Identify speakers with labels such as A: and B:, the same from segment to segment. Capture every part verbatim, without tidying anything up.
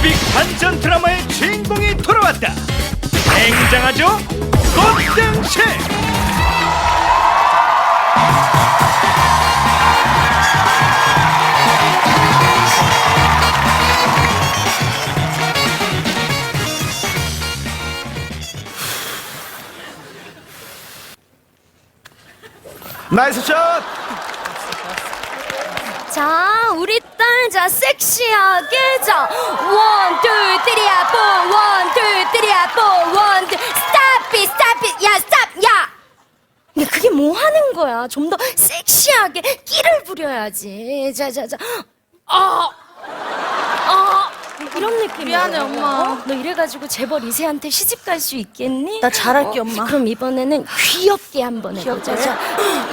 A: 뮤직 반전 드라마의 주인공이 돌아왔다. 굉장하죠? 꽃등심. 나이스 샷!
B: 자, 우리 딸, 자, 섹시하게, 자, 원, 투, 쓰리, 포, 원, 투, 쓰리, 포, 원, 투, 스탑 잇, 스탑 잇, 야, 스탑, 야! 근데 그게 뭐 하는 거야? 좀 더 섹시하게 끼를 부려야지. 자, 자, 자, 아, 아, 이런 느낌.
C: 미안해, 엄마.
B: 어? 너 이래가지고 재벌 이 세한테 시집 갈 수 있겠니?
C: 나 잘할게,
B: 어?
C: 엄마.
B: 그럼 이번에는 귀엽게 한번 해보자.
C: 귀엽게?
B: 자.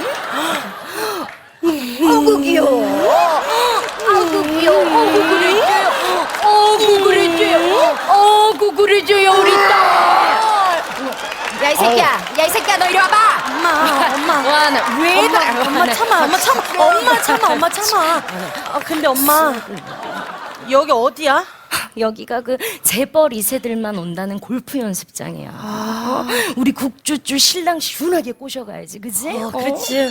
B: 아구 귀여워. 아구 귀여워. 어구 그랬죠요. 어구 그랬죠요. 어구 그랬죠요 우리 딸. 야 이 새끼야. 야 이 새끼야 너 이리 와봐.
C: 엄마, 엄마.
B: 와 나 왜
C: 엄마,
B: 그래?
C: 엄마 참아, 엄마 참아, 엄마 참아, 엄마 참아. 아, 근데 엄마, 여기 어디야?
B: 여기가 그 재벌 이 세들만 온다는 골프 연습장이야. 어? 우리 국주주 신랑 시원하게 꼬셔가야지, 그지?
C: 어, 그렇지.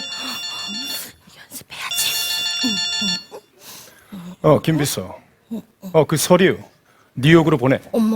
A: 어, 김비서. 어, 그 서류 뉴욕으로 보내.
B: 어머.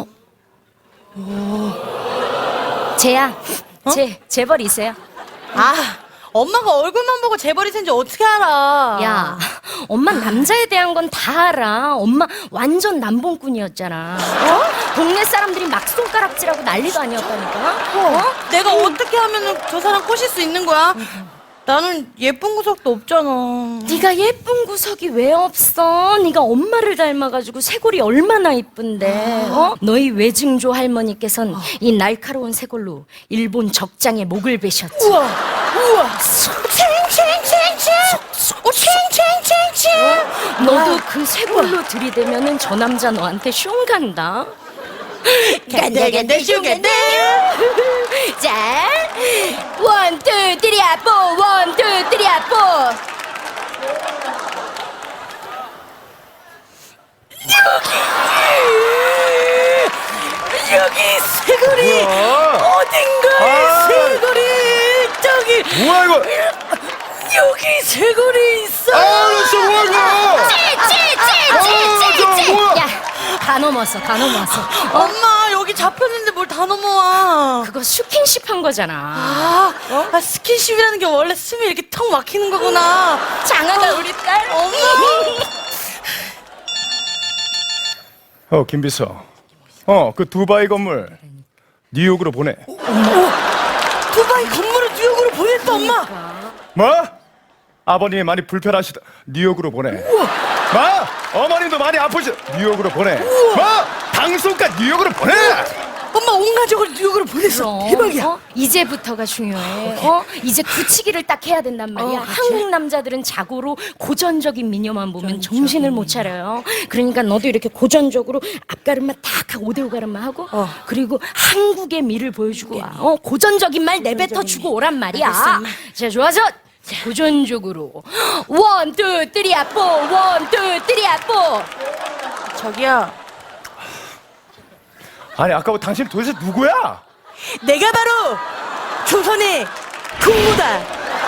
B: 쟤야, 쟤 재벌 이 세야.
C: 아, 엄마가 얼굴만 보고 재벌이 센지 어떻게 알아?
B: 야, 엄마 남자에 대한 건 다 알아. 엄마 완전 남봉꾼이었잖아. 어? 동네 사람들이 막 손가락질하고 난리도 아니었다니까. 어?
C: 내가 어떻게 하면 저 사람 꼬실 수 있는 거야? 나는 예쁜 구석도 없잖아.
B: 네가 예쁜 구석이 왜 없어? 네가 엄마를 닮아가지고 쇄골이 얼마나 이쁜데. 어? 너희 외증조 할머니께선 이 날카로운 쇄골로 일본 적장의 목을 베셨지.
C: 우와, 우와. 챙챙챙챙. 오, 챙챙챙챙.
B: 너도 그 쇄골로 들이대면은 저 남자 너한테 슝 간다.
C: 간다, 간다, 슝 간다.
B: 자, 원, 투, 쓰리, 포, 원, 투, 쓰리, 포.
C: 여기 쇄골이 어딘가에
A: 아.
C: 쇄골이 저기
A: 뭐야 이거?
C: 여기 쇄골이 있어.
A: 아, 진짜 뭐야 이거? 아, 저
B: 찌찌찌찌찌찌.
A: 뭐야?
B: 야, 다 넘었어, 다 넘었어. 어?
C: 엄마 여기 잡혔는데 뭘 다 넘어와.
B: 그거 스킨십 한 거잖아.
C: 아, 아, 스킨십이라는 게 원래 숨이 이렇게 턱 막히는 거구나.
B: 장하다 우리 딸.
C: 엄마.
A: 어, 김비서. 어, 그 두바이 건물 뉴욕으로 보내.
C: 두바이 건물을 뉴욕으로 보냈다, 엄마.
A: 뭐? 아버님이 많이 불편하시다. 뉴욕으로 보내. 뭐? 어머님도 많이 아프시. 뉴욕으로 보내. 뭐? 방송가 뉴욕으로 보내.
C: 엄마 온 가족을 뉴욕으로 보냈어.
B: 그럼,
C: 대박이야.
B: 어? 이제부터가 중요해. 어? 이제 굳히기를 딱 해야 된단 말이야.
C: 어, 그치?
B: 한국 남자들은 자고로 고전적인 미녀만 보면 정신을 못 차려요. 그러니까 너도 이렇게 고전적으로 앞가름만 딱 하고 오대오가름만 하고
C: 어.
B: 그리고 한국의 미를 보여주고 와. 어? 고전적인 말 내뱉어 주고 오란 말이야.
C: 알겠어, 엄마.
B: 자, 좋아서 고전적으로 원, 투, 쓰리, 포, 원, 투, 쓰리, 포.
C: 저기요.
A: 아니 아까부터 당신 도대체 누구야?
C: 내가 바로 조선의 국무다.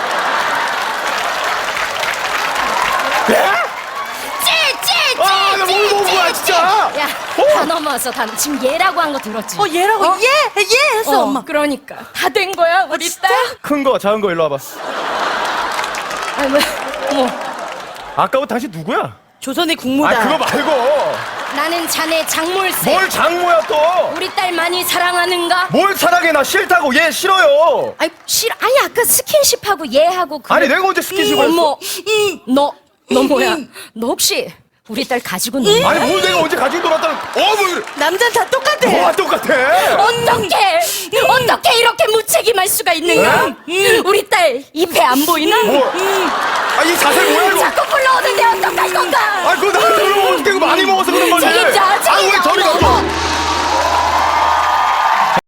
A: 예?
B: 찌찌찌찌찌.
A: 아, 나뭘 본 거야, 진짜?
B: 야,
A: 어?
B: 다 넘어왔어. 다 지금 얘라고 한 거 들었지?
C: 어, 얘라고
B: 어?
C: 예, 예 했어,
B: 어,
C: 엄마.
B: 그러니까 다 된 거야, 우리
C: 진짜?
B: 딸.
A: 큰 거, 작은 거 일로 와봐.
B: 아니, 왜? 어머,
A: 아까부터 당신 누구야?
C: 조선의 국무다.
A: 아, 그거 말고
B: 나는 자네 장몰세.
A: 뭘 장모야 또?
B: 우리 딸 많이 사랑하는가?
A: 뭘 사랑해? 나 싫다고. 얘 싫어요.
B: 아니, 싫어. 아니, 아까 스킨십하고 얘하고 그.
A: 아니 내가 언제 스킨십을 했어?
B: 어머, 너, 너 뭐야? 너 혹시 우리 딸 가지고 노니?
A: 아니 뭘 내가 언제 가지고 놀았다는? 어, 뭐?
C: 남자는 다 똑같아.
A: 뭐가 똑같아?
B: 어떻게 어떻게 이렇게 무책임할 수가 있는가? 우리 딸 입에 안 보이나?
A: 뭐? 아, 이 자세 뭐야 이거?
B: 자꾸 불러오는데 어떡할 건가?
A: 아, 그거 나한테 그러면 어떻게 많이 먹어서 그런 거지?
B: 책임져, 책임져.
A: 아, 왜 저리 가?
B: 어머,